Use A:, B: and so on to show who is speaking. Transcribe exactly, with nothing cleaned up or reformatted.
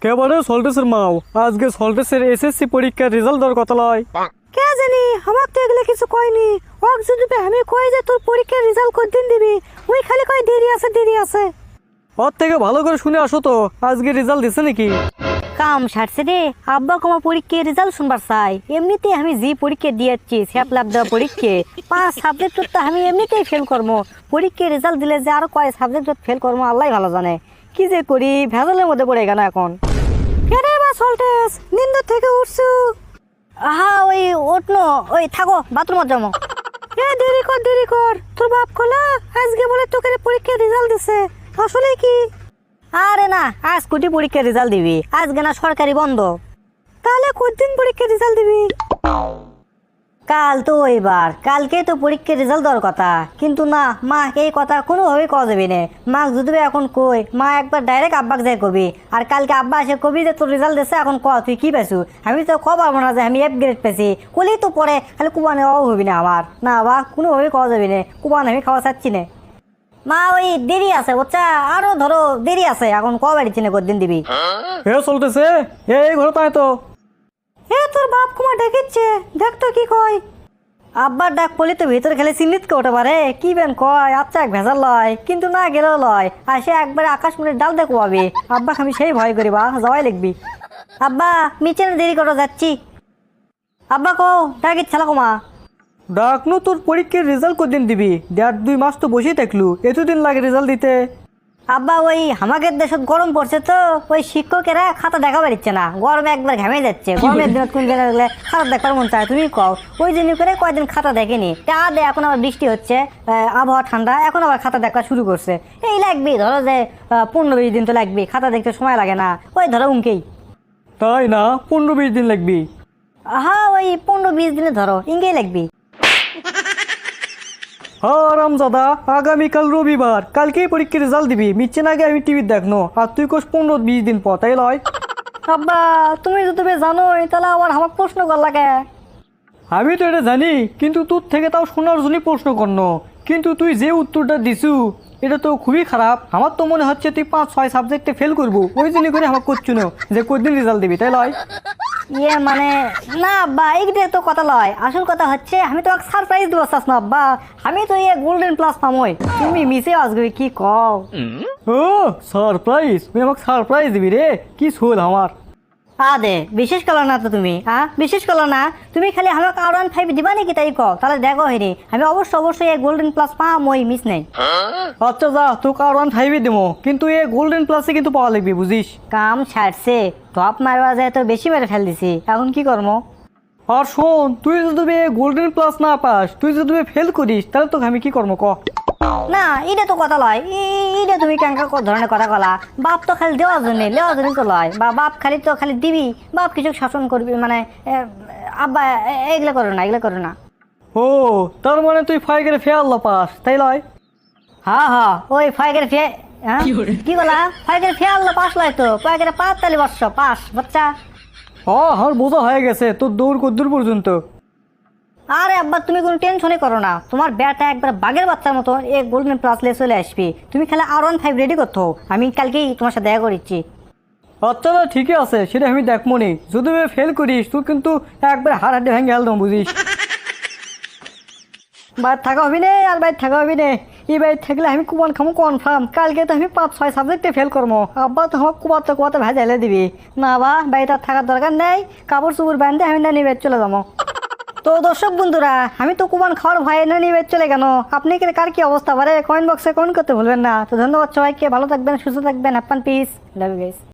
A: কেবারে সল্টেসের মাও আজকে সল্টেসের এসএসসি পরীক্ষার রেজাল্ট দেওয়ার কথা লয়।
B: কে জানি আমার তো এগুলো কিছু কয়নি। ওক যদি আমি কই যে তোর পরীক্ষার রেজাল্ট কতদিন দিবি, ওই খালি কয় দেরি আছে দেরি আছে।
A: ওর থেকে ভালো করে শুনে আসো তো আজকে রেজাল্ট দিছে নাকি।
B: কাম সারছে রে, আব্বা কমা পরীক্ষার রেজাল্ট শুনবার চাই। এমনিতে আমি যে পরীক্ষা দিয়েছি স্যাপ লাভ দেওয়া পরীক্ষা পাঁচ সাবজেক্ট তো আমি এমনিতেই ফেল করবো। পরীক্ষার রেজাল্ট দিলে যে আরো কয় সাবজেক্ট ফেল করবো আল্লাহ ভালো জানে। কি যে করি ভেজালের মধ্যে পড়ে গেল এখন। কেরে বা সল্টেস নিন্দ থেকে উঠছু? আহা ওই ওঠনো, ওই থাকো বাথরুমত যাবো। এ দেরি কর দেরি কর, তোর বাপ কলা আজকে বলে তোকে পরীক্ষার রেজাল্ট দিছে, আসলে কি? আরে না, আজ কোটি পরীক্ষার রেজাল্ট দিবি, আজকে না সরকারি বন্ধ। তাহলে কতদিন পরীক্ষার রেজাল্ট দিবি? কাল তো এবার কালকে তো পরীক্ষার রেজাল্ট দেওয়ার কথা, কিন্তু না মা এই কথা কোনোভাবেই কওয়া যাবে না। মা যদি এখন কই মা একবার ডাইরেক্ট আব্বাক যাই কবি, আর কালকে আব্বা এসে কবি যে তোর রেজাল্ট দিচ্ছে এখন ক তুই কি পাইছু। আমি তো ক পারবো না যে আমি এফ গ্রেড পেয়েছি, কলেই তো পরে খালি কুবানে অভাব হবি না আমার। না বা কোনোভাবেই কওয়া যাবে না, কুবান আমি খাওয়া চাচ্ছি না। মা ওই দেরি আছে বাচ্চা, আরো ধরো দেরি আছে, এখন ক বাড়ি চিনে কদিন দিবি।
A: হে চলতেছে এই ঘরে তাই তো।
B: এ তোর বাপ কুমার ডেকেছে, দেখ তো কি কয়। আব্বার ডাক পলি তো ভিতরে খেলে চিন্নিত কে ওঠে পারে, কি বেন কয় আচ্ছা এক ভেজাল লয়, কিন্তু না গেলেও লয়। আর সে একবারে আকাশ মুড়ে ডাল দেখো পাবি। আব্বা আমি সেই ভয় করি বা যাওয়াই লিখবি। আব্বা মিচে দেরি করে যাচ্ছি। আব্বা কো ডাক ইচ্ছা কমা।
A: ডাকনু তোর পরীক্ষার রেজাল্ট কদিন দিবি, দেড় দুই মাস তো বসেই থাকলু, এতদিন লাগে রেজাল্ট দিতে।
B: আব্বা ওই আমাদের দেশত গরম পড়ছে তো, ওই শিক্ষকেরা খাতা দেখা পারিচ্ছে না, গরমে একবার ঘামে যাচ্ছে। গরমের দিনত কোন গেলে গেলে খাতা দেখার মন চায়, তুমি কও। ওই জন্য করে কয়েকদিন খাতা দেখেনি, তা দে এখন আবার বৃষ্টি হচ্ছে, আবহাওয়া ঠান্ডা, এখন আবার খাতা দেখা শুরু করছে। এই লাগবে ধরো যে পনেরো বিশ দিন তো লাগবে, খাতা দেখতে সময় লাগে না, ওই ধরো উনকেই।
A: তাই না, পনেরো বিশ দিন লাগবি।
B: হ্যাঁ ওই পনেরো বিশ দিনে ধরো ইঙ্গেই লাগবি।
A: হ্যাঁ রামজাদা, আগামীকাল রবিবার, কালকেই পরীক্ষার রেজাল্ট দিবি। মিচ্ছে না আগে আমি টিভি দেখনো, আর তুই কোস পনেরো বিশ দিন পর, তাই লয়?
B: আব্বা তুমি যদি তুমি জানোই তাহলে আবার আমার প্রশ্ন কর লাগে।
A: আমি তো এটা জানি, কিন্তু তোর থেকে তাও শোনার জন্যই প্রশ্ন করন। কিন্তু তুই যে উত্তরটা দিছু এটা তো খুবই খারাপ। আমার তো মনে হচ্ছে তুই পাঁচ ছয় সাবজেক্টে ফেল করবো, ওই জন্য করে আমার করছু না যে কদিন রেজাল্ট দিবি, তাই লয়?
B: ইয়ে মানে না আব্বা, এইটা তো কথা লয়। আসল কথা হচ্ছে আমি তো সারপ্রাইজ দিব চাস না আব্বা, আমি তো ইয়ে গোল্ডেন প্লাস পামই, তুমি মিসে আসবে কি কও।
A: ও সারপ্রাইজ, তুই আমাকে সারপ্রাইজ দিবি রে, কি শোল আমার।
B: আদে বিশেষ করো না তো তুমি, হ্যাঁ বিশেষ করো না তুমি, খালি আমাকে আর ওয়ান ফাইভ দিবা নাকি তাই কও, তাহলে দেখো হেরে আমি অবশ্যই অবশ্যই এই গোল্ডেন প্লাস পাম, ওই মিস নেই।
A: আচ্ছা যা, তোকে আর ওয়ান ফাইভই দেবো, কিন্তু এ গোল্ডেন প্লাসে কিন্তু পাওয়া লাগবে, বুঝিস।
B: কাম ছাড়ছে, টপ মারবা যায় তো বেশি মেরে ফেল দিছি, এখন কি করবো?
A: আর শোন, তুই যদি গোল্ডেন প্লাস না পাস, তুই যদি ফেল করিস, তাহলে তোকে আমি কি করবো ক।
B: না এটা তো কথা লয়, এটা তুমি কেনকা ধরনের কথা কলা। বাপ তো খালি দেওয়ার জন্য লেওয়ার জন্য তো লয়, বা বাপ খালি তো খালি দিবি, বাপ কিছু শাসন করবি মানে। আব্বা এগুলো করো না, এগুলো করো না।
A: ও তার মানে তুই ফাইগের ফেয়ার পাস, তাই লয়?
B: হ্যাঁ হ্যাঁ ওই ফাইগের ফে হ্যাঁ কি বলা, ফাইগের ফেয়ার পাস লয় তো, ফাইগের পাঁচ তালি বর্ষ পাস বাচ্চা।
A: ও আমার বোঝা হয়ে গেছে তোর দৌড় কদ্দূর পর্যন্ত।
B: আরে আব্বা তুমি কোনো টেনশনই করো না, তোমার ব্যাটা একবার বাঘের বাচ্চার মতো এই গোল্ডেন প্লাস লে চলে আসবি। তুমি খালি আর ওয়ান ফাইভ রেডি করতো, আমি কালকেই তোমার সাথে দেখা করেছি।
A: আচ্ছা না ঠিকই আছে, সেটা আমি দেখবো নি। যদি ফেল করিস তুই কিন্তু একবার হাড় হাড্ডি ভেঙে হেলতাম, বুঝিস।
B: বাইর থাকা হবি নে, আর বাইর থাকা হবি নে। এই বাইর থাকলে আমি কুপন খামো কনফার্ম, কালকে তো আমি পাঁচ ছয় সাবজেক্টে ফেল করবো। আব্বা তো আমার কুপাতে কুপাতে ভেজাইলে দিবি না, বা বাড়িতে থাকার দরকার নেই, কাপড় চুপড় বাঁধতে আমি না নিয়ে চলে যাবো। তো দর্শক বন্ধুরা, আমি তো কুপন খাওয়ার ভয়ে না নিয়ে চলে গেল। আপনি কি কার কি অবস্থা পারে কমেন্ট বক্সে কমেন্ট করতে ভুলবেন না। তো ধন্যবাদ সবাইকে, ভালো থাকবেন, সুস্থ থাকবেন, happy peace, love you guys.